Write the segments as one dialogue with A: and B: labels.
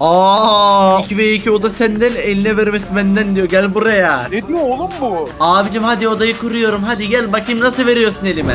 A: Aa, 2 ve 2 oda senden, eline vermesi benden diyor. Gel buraya.
B: Ne diyor oğlum bu?
A: Abicim hadi odayı kuruyorum. Hadi gel bakayım nasıl veriyorsun elime.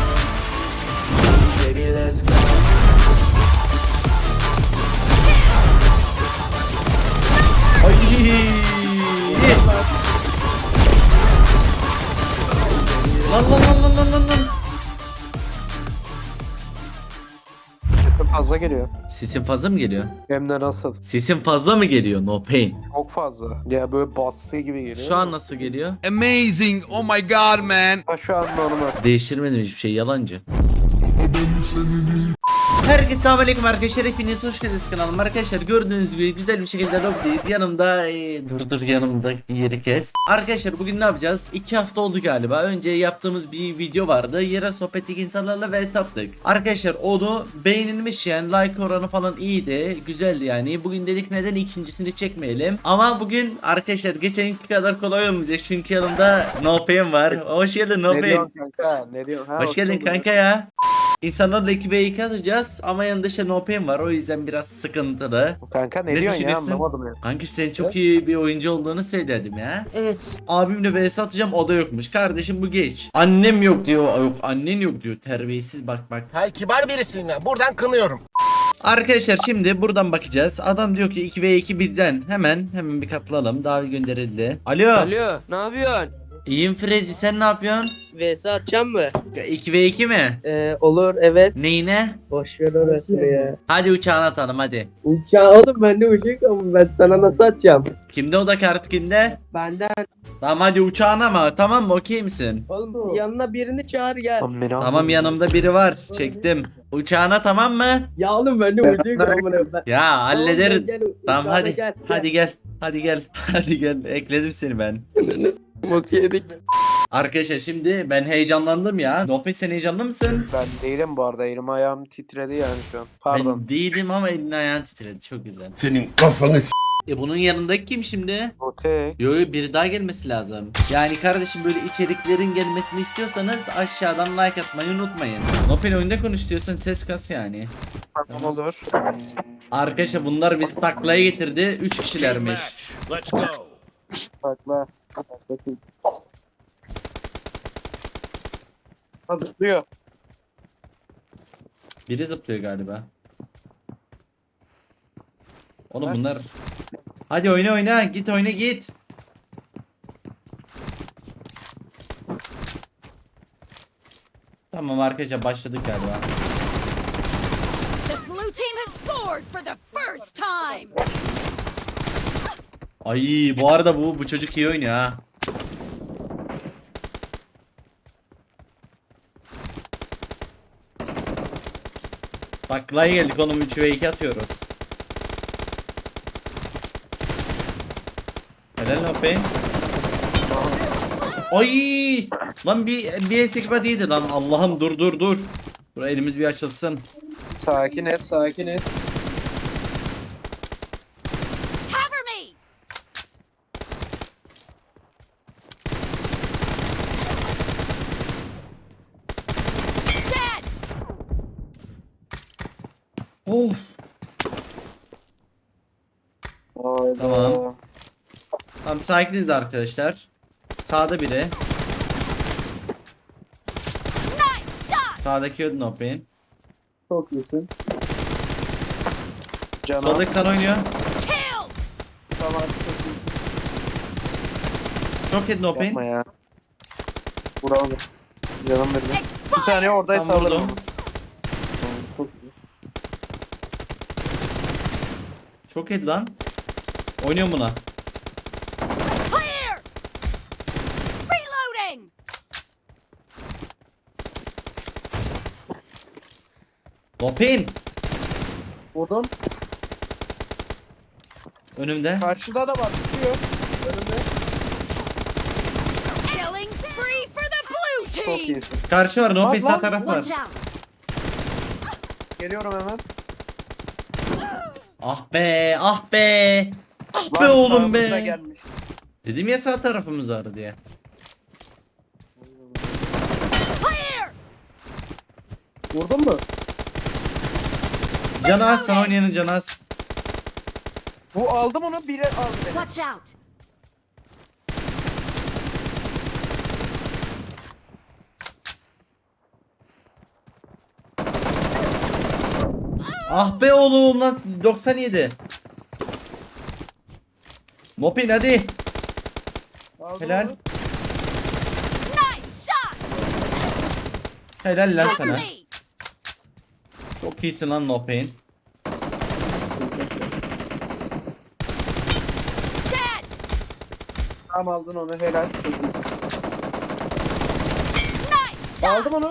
A: Ay. Lan.
B: Sesim fazla geliyor.
A: Sesin fazla mı geliyor?
B: Hem de nasıl?
A: Sesin fazla mı geliyor? No pain.
B: Çok fazla. Ya böyle bastığı gibi geliyor.
A: Şu an nasıl geliyor?
C: Amazing. Oh my god, man.
B: Ha, şu an normal.
A: Değiştirmedim hiçbir şey, yalancı. Herkese selamünaleyküm arkadaşlar, hepiniz hoş geldiniz kanalıma. Arkadaşlar gördüğünüz gibi güzel bir şekilde lobdeyiz. Yanımda dur yanımda yeri kes. Arkadaşlar bugün ne yapacağız? 2 hafta oldu galiba. Önce yaptığımız bir video vardı. Yere sohbetlik insanlarla vs attık. Arkadaşlar onu beğenilmiş, yani like oranı falan iyiydi. Güzeldi yani. Bugün dedik neden ikincisini çekmeyelim. Ama bugün arkadaşlar geçenki kadar kolay olmayacak. Çünkü yanımda No Pain var. Hoş geldin No
B: Ne
A: Pain.
B: diyorsun kanka? Ne diyorsun? Ha,
A: Hoş geldin kanka ya. İnsanlarla 2 ve 2 atacağız ama yanında işte No Pain var, o yüzden biraz sıkıntılı.
B: Kanka ne
A: Ne
B: diyorsun ya,
A: düşünüyorsun?
B: anlamadım ya.
A: Kanki sen çok iyi bir oyuncu olduğunu söyledim ya.
D: Evet.
A: Abimle vs atacağım, o da yokmuş. Kardeşim bu geç. Annem yok diyor. Yok annen yok diyor. Terbiyesiz bak.
E: Hayır, kibar birisiyim ya. Buradan kınıyorum.
A: Arkadaşlar şimdi buradan bakacağız. Adam diyor ki 2 ve 2 bizden. Hemen bir katılalım. Davet gönderildi. Alo.
F: Alo, ne yapıyorsun?
A: İyiyim Frezi, sen ne yapıyorsun?
F: VS atacağım mı?
A: 2 ve 2 mi?
F: Olur, evet.
A: Neyine?
F: Boş ver orasını ya.
A: Hadi uçağına atalım hadi.
F: Uçağı oğlum, ben de uçak ama ben sana nasıl atacağım?
A: Kimde o da kart, kimde?
F: Benden.
A: Tamam hadi uçağına mı? Tamam mı? Okey misin?
F: Oğlum yanına birini çağır gel.
B: Lan beni
A: Tamam,
B: anlamadım.
A: yanımda biri var. Çektim. Uçağına tamam mı?
F: Ya oğlum ben de uçak ama ben.
A: Ya hallederiz.
F: Gel,
A: Tamam
F: uçağına
A: hadi.
F: Gel,
A: Hadi gel. Hadi gel. Hadi gel. Ekledim seni ben.
F: Bok yedik.
A: Arkadaşlar şimdi ben heyecanlandım ya. Nopet, sen heyecanlı mısın?
B: Ben değilim bu arada. Elim ayağım titredi yani şu an. Pardon.
A: Ben değilim ama elin ayağın titredi. Çok güzel.
C: Senin kafanı
A: Bunun yanındaki kim şimdi?
B: O tek.
A: Yo biri daha gelmesi lazım. Yani kardeşim böyle içeriklerin gelmesini istiyorsanız aşağıdan like atmayı unutmayın. Nopel oyunda konuş istiyorsan ses kas yani.
B: Tamam olur.
A: Arkadaşlar bunlar bizi taklaya getirdi. 3 kişilermiş.
C: Let's go.
B: Bakla. Bakayım. Hazırlıyor.
A: Biri zıplıyor galiba. Oğlum bunlar. Hadi oyna git oyna git. Tamam arkadaşlar başladık galiba.
D: The blue team has scored for the first time.
A: Ay bu arada bu çocuk iyi oynuyor ha. Taklaya geldik oğlum, 3 ve 2 atıyoruz. Helal lan be. Ay lan bir esekba değildi lan. Allah'ım dur. Dur elimiz bir açılsın.
B: Sakin et, sakin et.
D: Cover me. Dead.
A: Of.
B: Hayda.
A: Tamam. Tamam sakiniz arkadaşlar. Sağda biri.
D: Nice shot.
A: Sağdaki öldü No Pain.
B: Çok iyisin. Canım.
A: Soldaki sana oynuyor.
D: Killed.
B: Tamam, çok iyisin.
A: Çok yedi No Pain.
B: Yapma ya. Bravo. Canım benim. Bir saniye
D: Expired.
B: oradaysa
A: Tam
B: alırım.
A: vurdum.
B: Tamam, çok iyi.
A: Çok yedi lan. Oynuyorum buna.
D: Clear. Reloading.
A: No Pain.
B: Vurdum.
A: Önümde.
B: Karşıda da var. Tutuyor. Önümde.
D: Killing spree for the blue
B: Çok
D: team.
B: iyisin.
A: Karşı var. No
B: Bak
A: Pain
B: lan.
A: sağ taraf var.
D: Watch out.
B: Geliyorum hemen.
A: Ah be. Ah be
B: Lan
A: oğlum
B: sağımıza
A: be.
B: Gelmiş.
A: Dedim ya sağ tarafımız var diye.
D: Clear.
B: Vurdun mu?
A: Canı az, sana oynayanın canı az.
B: Bu aldım onu biri aldı beni.
D: Watch out!
A: Ah be oğlum lan 97. Mopin hadi.
B: Aldım
A: Helal.
B: onu.
D: Nice shot!
A: Helal lan
D: Cover
A: sana.
D: me!
A: Çok iyisin lan Mopin.
D: Dead!
B: Tamam aldın onu helal.
D: Nice shot!
B: Aldım onu.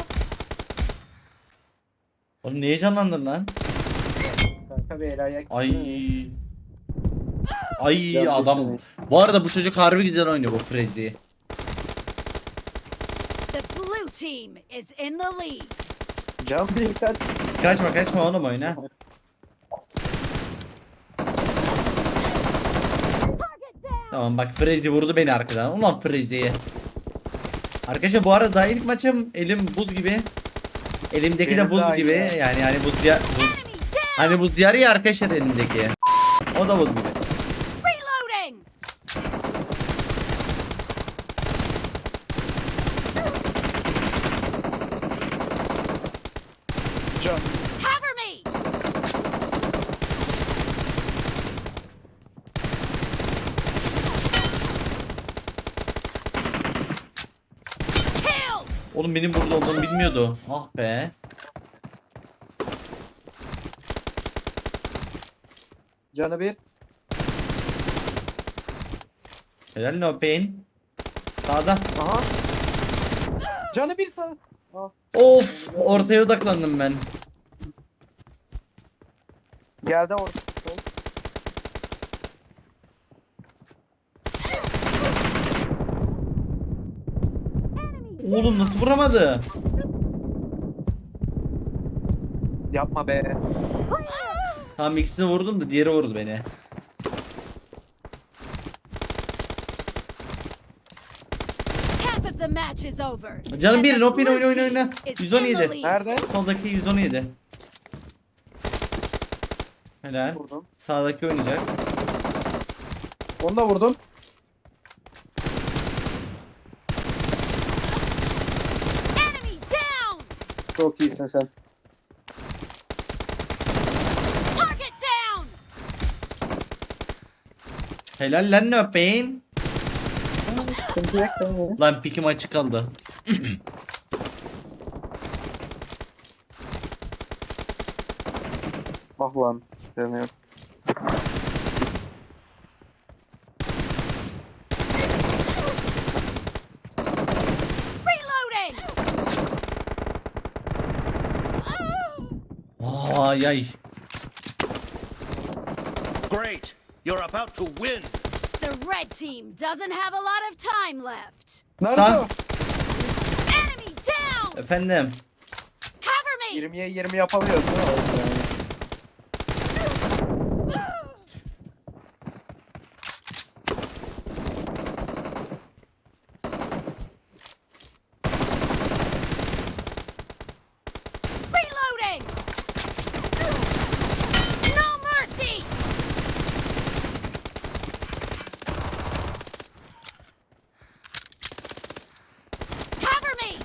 A: Oğlum niye canlandın lan?
B: Kanka bir el ayak.
A: Ay. Ay
B: Can
A: adam.
B: düşmedi.
A: Bu arada bu çocuk harbi güzel oynuyor bu Frezi.
D: The blue team is in the lead.
B: Can bir kaç.
A: Kaçma oğlum oyna.
D: Target down!
A: Tamam bak Frezi vurdu beni arkadan. Ulan Frezi'ye. Arkadaşlar bu arada daha ilk maçım elim buz gibi. Elimdeki de
B: Benim
A: buz
B: daha iyi
A: gibi.
B: ya.
A: Yani buz ya buz.
D: Enemy down!
A: Hani buz yarı ya arkadaşlar elimdeki. O da buz gibi.
D: Reloading!
B: Can.
D: Cover me! Killed!
A: Oğlum benim burada olduğumu bilmiyordu. Ah be.
B: Canı bir.
A: Helal no pain. Sağda.
B: Aha. Canı bir sağ.
A: Of ortaya odaklandım ben.
B: Geldi orada. Sol.
A: Oğlum nasıl vuramadı?
B: Yapma be.
A: Tamam ikisini vurdum da diğeri vurdu beni.
D: Half of the match is over.
A: Canım
D: And
A: bir
D: the
A: no pin
D: blue
A: oyna
D: team is in the
A: 117.
D: lead.
B: Nerede?
A: Soldaki 117. Helal.
B: Vurdum.
A: Sağdaki oynayacak.
B: Onu da vurdum.
D: Enemy down!
B: Çok iyisin sen.
D: Target down!
A: Helal lan no pain.
B: Sıkıntı yok tamam.
A: Lan pikim açık kaldı.
B: Ah lan. Demiyorum.
D: Reloading!
A: Ay ay.
C: Great. You're about to win.
D: The red team doesn't have a lot of time left.
B: Naruto.
D: Enemy down!
A: Efendim.
D: Cover me!
B: 20'ye 20 yapamıyoruz değil mi? Yani.
D: Reloading! No mercy! Cover me!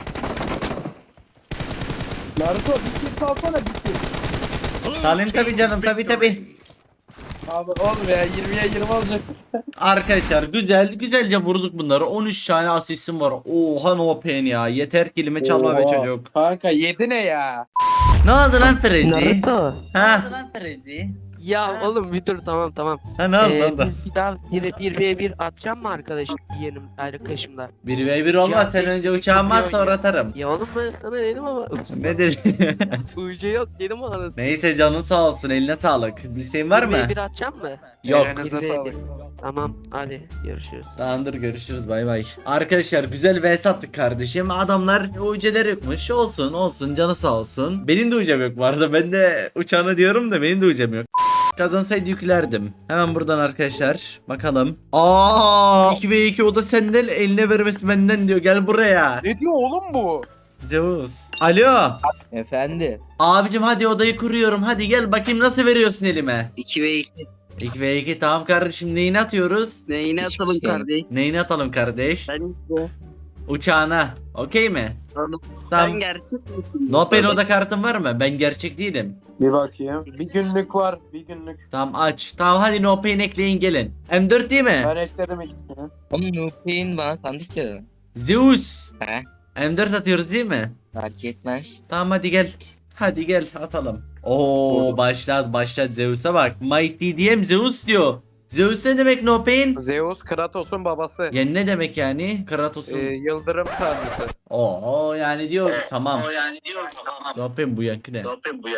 B: Naruto bir kill salsana bir kill.
A: Salim tabi canım tabi.
B: Abi oğlum ya 20'ye 20 olacak.
A: Arkadaşlar güzelce vurduk bunları. 13 tane asistim var. Oha no pain ya. Yeter kilimi çalma be
B: Oha.
A: çocuk.
B: Kanka 7 ne ya?
A: Ne oldu lan Frezi?
F: Naruto.
A: Ha? Ne oldu lan Frezi?
F: Ya oğlum bir dur tamam.
A: Ha ne oldu?
F: Biz bir daha 1v1 atacağım mı arkadaşımla?
A: 1v1 olmaz.
F: Ya,
A: Sen önce uçağımı at sonra atarım.
F: Ya oğlum ben sana dedim ama
A: Ne dedin?
F: UC yok dedim anasını.
A: Neyse canın sağ olsun. Eline sağlık. Bir şeyin var mı?
F: 1v1 atacağım mı?
A: Yok.
B: Elinize
F: 1v1.
B: sağlık.
F: Tamam hadi görüşürüz.
A: Tamamdır görüşürüz bay bay. Arkadaşlar güzel vs attık kardeşim. Adamlar uceler yokmuş. Olsun canı sağ olsun. Benim de ucam yok bu arada. Ben de uçağını diyorum da benim de ucam yok. Kazansaydı yüklerdim. Hemen buradan arkadaşlar bakalım. 2v2 o da senden eline vermesi benden diyor. Gel buraya.
B: Ne diyor oğlum bu?
A: Zeus. Alo.
F: Efendi.
A: Abicim hadi odayı kuruyorum. Hadi gel bakayım nasıl veriyorsun elime.
F: 2v2.
A: 2v2 tamam kardeşim, neyini atıyoruz?
F: Neyine atalım kardeş?
A: Neyini atalım kardeş?
F: Ben işte.
A: Uçağına. Okey mi?
F: Oğlum,
A: Tamam.
F: sen gerçek misin?
A: No Pain oda kartın var mı? Ben gerçek değilim.
B: Bir bakayım. Bir günlük var. Bir günlük.
A: Tamam aç. Tamam hadi No Pain ekleyin gelin. M4 değil mi?
B: Ben eklerim ikisini.
G: Oğlum Nupe'in bana sandık ya.
A: Zeus.
G: He?
A: M4 atıyoruz değil mi?
G: Fark etmez.
A: Tamam hadi gel. Hadi gel atalım. Oo başlat Zeus'a bak. Mighty diyem Zeus diyor. Zeus ne demek No Pain?
B: Zeus Kratos'un babası.
A: Yani ne demek yani? Kratos'un.
B: Yıldırım tanrısı.
A: Oo yani diyor tamam. No Pain bu yankı ne?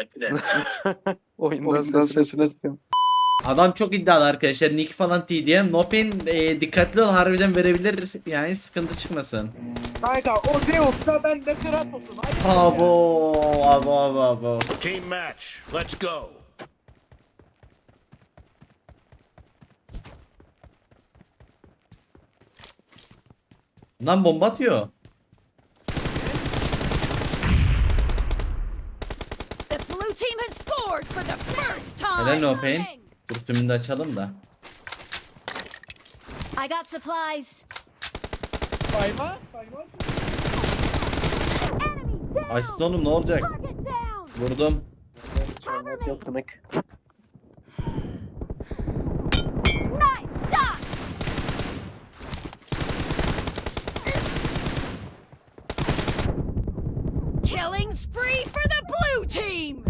B: Oyundan sesini açıyorum.
A: Adam çok iddialı arkadaşlar. Nick falan TDM. No Pain dikkatli ol, harbiden verebilir. Yani sıkıntı çıkmasın.
B: Kanka o Zeus'la ben de Kratos'um. Hadi.
A: Abo.
C: Team match. Let's go.
A: Lan bomba atıyor.
D: The blue team has scored for the first time.
A: Helal No Pain. Dur tümünü de açalım da.
D: I got supplies.
B: Sayma.
D: Enemy down.
A: Açsın oğlum, ne olacak?
D: Target down.
A: Vurdum.
B: Yok kınık.
D: Nice shot. Killing spree for the blue team.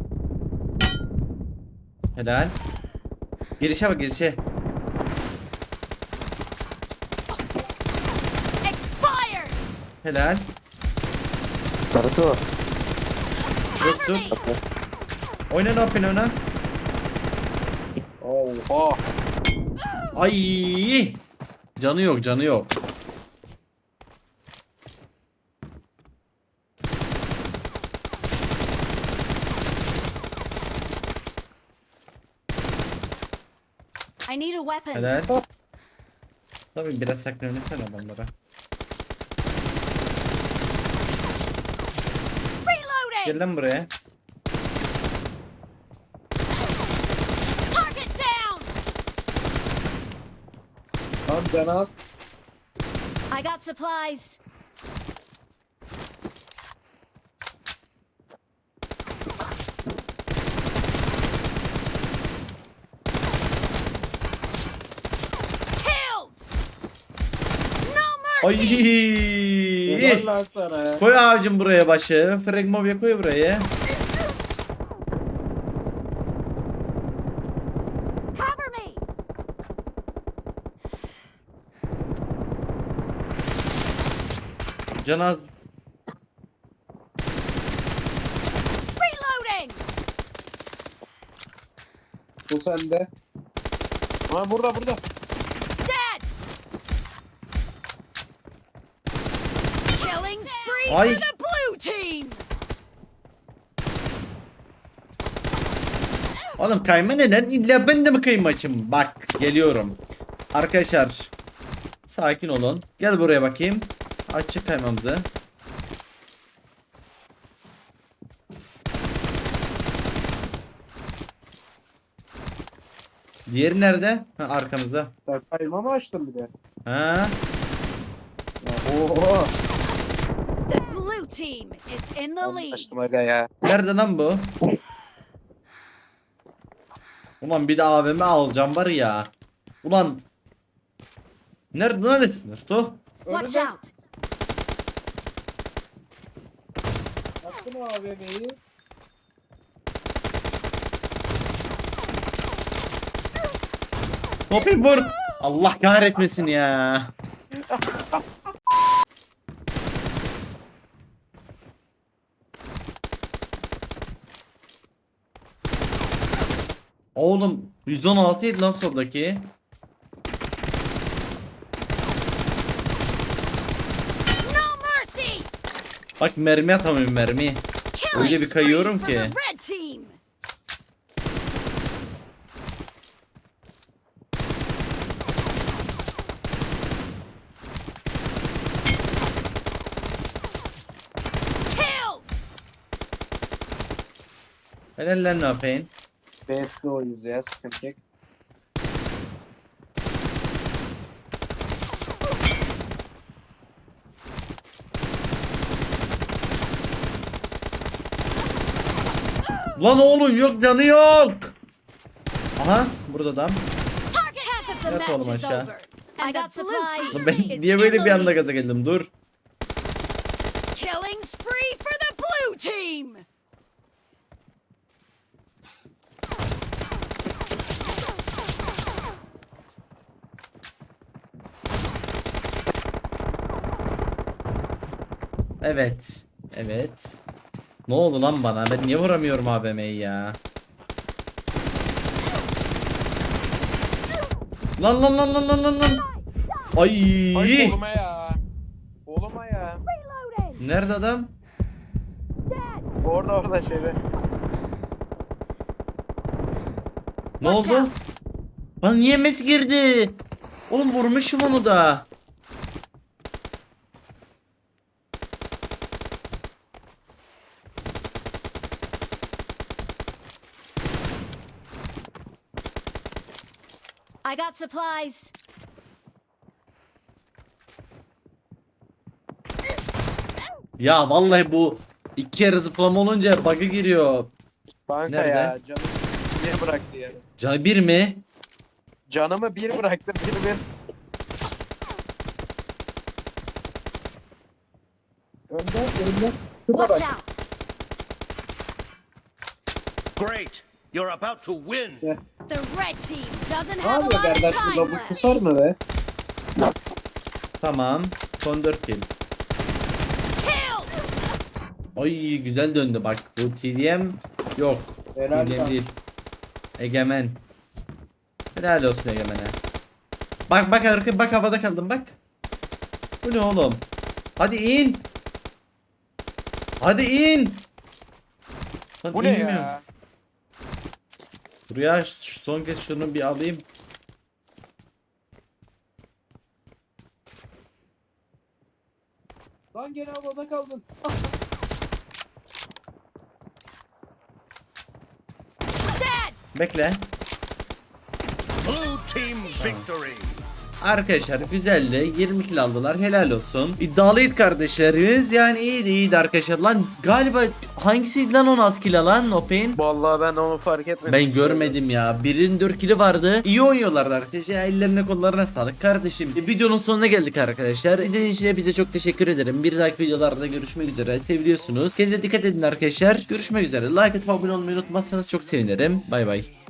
A: Helal. Girişe bak girişe.
D: Expired.
A: Helal.
B: Naruto.
D: Cover
A: dur.
D: me.
A: Oyna No Pain oyna.
B: Oha.
A: Ay. Canı yok.
D: I need a weapon.
A: Helal. Tabii biraz saklanırsan adamlara.
D: Reloading.
A: Gel lan buraya.
D: Target down.
B: Lan canaz.
D: I got supplies. Killed. No mercy.
A: Ay.
B: Lan sana ya.
A: Koy abicim buraya başı. Fragmovia koy buraya.
D: Cover me.
A: Can az.
D: Reloading.
B: Bu sende. Ha burada.
D: Dead. Killing spree
A: Ay.
D: for the blue team.
A: Oğlum kayma neden? İlla ben de mi kayma açayım? Bak geliyorum. Arkadaşlar. Sakin olun. Gel buraya bakayım. Açık kaymamızı. Diğeri nerede? Ha, arkamızda.
B: Sen kayma mı açtın bir de?
A: Ha?
B: Oha.
D: The blue team is in the lead.
B: Açtım aga ya.
A: Nerede lan bu? Ulan bir de AVM alacağım var ya. Ulan. Neredesin? Sto?
D: Watch out.
B: Attın o AVM'yi.
A: Topi vur. Allah kahretmesin ya. Oğlum 116 ydi lan soldaki.
D: No mercy.
A: Bak mermi atamıyorum mermi.
D: Killing
A: Öyle bir kayıyorum
D: spree
A: ki.
D: for the red team. Killed.
A: Helal lan ne yapayım?
B: BS'de oyunuz ya sıkıntı yok.
A: Lan oğlum yok canı yok. Aha burada adam.
D: Target half of the
A: Yat oğlum
D: match is
A: aşağı.
D: over. And the blue team
A: Ben
D: is
A: niye
D: in
A: böyle
D: the
A: bir anda
D: lead.
A: gaza geldim? Dur.
D: Killing spree for the blue team.
A: Evet. Evet. Ne oldu lan bana? Ben niye vuramıyorum AVM'yi ya? Lan lan lan lan lan lan lan. Ay.
B: Ay oğluma ya. Oğluma ya.
A: Nerede adam?
B: Orada şeyde.
A: Ne
D: Watch
A: oldu?
D: out.
A: Bana niye mes girdi? Oğlum vurmuşum onu da.
D: I got supplies.
A: Ya vallahi bu iki kere zıplama olunca bug'a giriyor.
B: Kanka
A: Nerede?
B: ya canımı bir bıraktı ya.
A: Canı bir mi?
B: Canımı bir bıraktı bir. Önde.
D: Watch out.
C: Great. You're about to win.
D: The red team doesn't
B: Ne
D: have a
B: yapıyor
D: lot of
B: derler
D: time
B: şurada bu
D: left.
B: kusar mı be?
A: Tamam. Son 4 kill.
D: Kill.
A: Ay güzel döndü bak. Bu TDM yok.
B: Helal
A: TDM
B: lan.
A: değil. Egemen. Helal olsun Egemen'e. Bak bak arka bak havada kaldım bak. Bu ne oğlum? Hadi in. Hadi in. Lan
B: Bu ne
A: inmiyor.
B: ya?
A: Buraya son kez şunu bir alayım.
B: Lan gene havada kaldın.
D: Dead.
A: Bekle.
C: Blue team victory.
A: Arkadaşlar güzeldi. 20 kill aldılar. Helal olsun. İddialıydı kardeşlerimiz. Yani iyiydi arkadaşlar. Lan galiba hangisiydi lan 16 kill alan Open?
B: Vallahi ben onu fark etmedim.
A: Ben görmedim ya. Birinin 4 kill'i vardı. İyi oynuyorlardı arkadaşlar. Ellerine kollarına sağlık kardeşim. Videonun sonuna geldik arkadaşlar. İzlediğiniz için hepinize çok teşekkür ederim. Bir dahaki videolarda görüşmek üzere. Seviliyorsunuz. Kendinize dikkat edin arkadaşlar. Görüşmek üzere. Like atıp abone olmayı unutmazsanız çok sevinirim. Bay bay.